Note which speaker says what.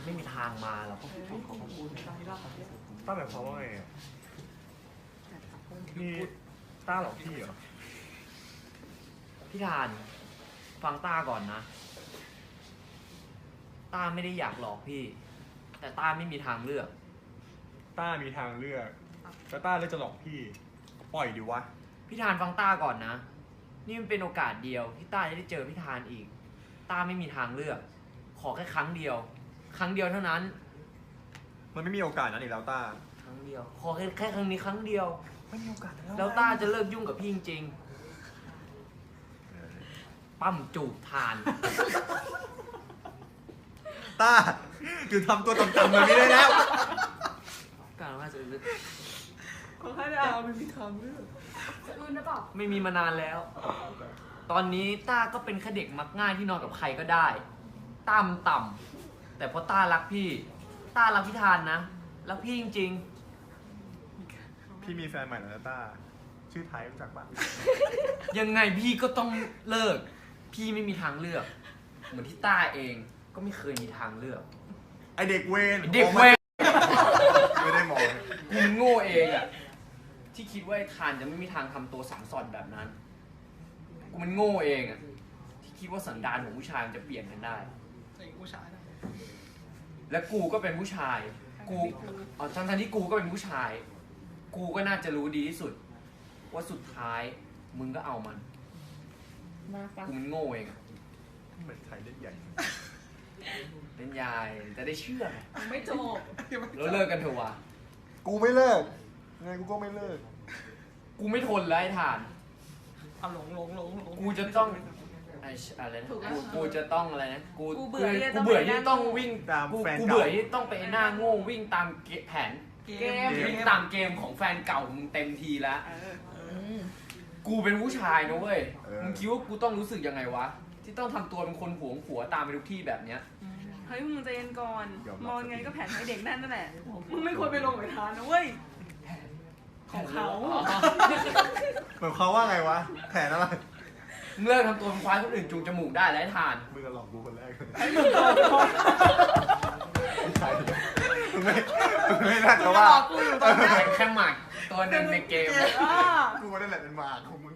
Speaker 1: ไม่มีทางมาหรอก
Speaker 2: ต้าหมายความว่าไงอ่ะนี่ต้าหลอกพี่เหรอ
Speaker 1: พี่ทานฟังต้าก่อนนะต้าไม่ได้อยากหลอกพี่ แต่ต้าไม่มีทางเลือก
Speaker 2: ต้ามีทางเลือกแต่ต้าเลยจะหลอกพี่ปล่อยดิวะ
Speaker 1: พี่ทานฟังต้าก่อนนะ นี่มันเป็นโอกาสเดียวที่ต้าจะได้เจอพี่ทานอีก ต้าไม่มีทางเลือก ขอแค่ครั้งเดียว ครั้งเดียวเท่านั้น
Speaker 2: มันไม่มีโอกาสนั้นอีกแล้วต้า
Speaker 1: ครั้งเดียว ขอแค่ครั้งนี้ครั้งเดียว
Speaker 2: ไม่มีโอกาส
Speaker 1: แล้วต้าจะเลิกยุ่งกับพี่จริงๆปั้มจูบทาน
Speaker 2: ต้าคือทำตัวต่ำๆแบบนี้ได้แล้ว
Speaker 1: การว่าจะลึก
Speaker 3: ขอให้ดาวไม่มีทางเลือก
Speaker 4: รุ่นหรือเปล่า
Speaker 1: ไม่มีมานานแล้ว ตอนนี้ต้าก็เป็นแค่เด็กมักง่ายที่นอนกับใครก็ได้ ต้ามันต่ำแต่เพราะต้ารักพี่ ต้ารักพี่ทานนะ รักพี่จริง
Speaker 2: พี่มีแฟนใหม่แล้วนะต้าชื่อไทยรู้จักปะ
Speaker 1: ๆ ยังไงพี่ก็ต้องเลิก พี่ไม่มีทางเลือก เหมือนที่ต้าเองก็ไม่เคยมีทางเลือก
Speaker 2: ไอเด็กเวน
Speaker 1: เด็กเวร
Speaker 2: ไม่ได้มอง
Speaker 1: กูมันโง่เองอะที่คิดว่าไอ้ทานจะไม่มีทางทำตัวสังสอนแบบนั้น กูมันโง่เองอะที่คิดว่าสันดานของผู้ชายมันจะเปลี่ยนกันได้
Speaker 3: ใส่ผู้ชายนะ
Speaker 1: และกูก็เป็นผู้ชาย กูทั้งที่กูก็เป็นผู้ชาย กูก็น่าจะรู้ดีที่สุด ว่าสุดท้ายมึงก็เอามัน
Speaker 4: มาฟัง
Speaker 1: กูมันโง่เองอะ
Speaker 2: เหมือนไทยเล่นใหญ่
Speaker 1: เป็นยายจะได้เชื่อไง
Speaker 3: ไม่จบ
Speaker 1: แล้วเลิกกันเถอะวะ
Speaker 2: กูไม่เลิกไงกูก็ไม่เลิก
Speaker 1: กูไม่ทนแล้วไอ้ทาน
Speaker 3: เอาหลง
Speaker 1: กูจะต้องไอ้อะไรนะกูจะต้องอะไรนะ
Speaker 4: กูเบื่อที่จะ
Speaker 1: กู
Speaker 4: ต้อง
Speaker 1: เบื่อ
Speaker 4: ไป
Speaker 1: ที่
Speaker 4: นั่ง
Speaker 1: ต้องวิ่ง
Speaker 2: ตาม
Speaker 1: กู
Speaker 2: แฟน
Speaker 1: กู
Speaker 2: เก่า
Speaker 1: เบื่อที่ต้องไปหน้าโง่วิ่งตามแผน
Speaker 3: เกม
Speaker 1: วิ่งตามเกมของแฟนเก่ามึงเต็มทีแล้ว กูเป็นผู้ชายนะเว้ย มึงคิดว่ากูต้องรู้สึกยังไงวะ ที่ต้องทำตัวเป็นคนหวงผัวตามไปทุกที่แบบเนี้ย
Speaker 4: เฮ้ยมึงใจเย็นก่อน
Speaker 2: ยอมรับ
Speaker 4: มองไงก็แผนให้เด็กนั่นแหละ มึงไม่ควรไปลงไปทานนะเว้ย ของเขา
Speaker 2: เหมือนเขาว่าไงวะแผนอะไร
Speaker 1: มึงเลิกทำตัวเป็นควายคนอื่นจูงจมูกได้แล้วไอ้ทาน
Speaker 2: มึงก็หลอกกูคนแรกเลย
Speaker 4: ให้มึงก่อน
Speaker 2: ไม่ใช่มึงไม่น่าจะ
Speaker 4: มึง
Speaker 2: ว่า
Speaker 4: หลอกกูอยู่ตอนเนี้ย
Speaker 1: เป็นแค่หมากตัวหนึ่งในเกม
Speaker 4: อ่า
Speaker 2: กูนั่นแหละเป็นหมากของมึง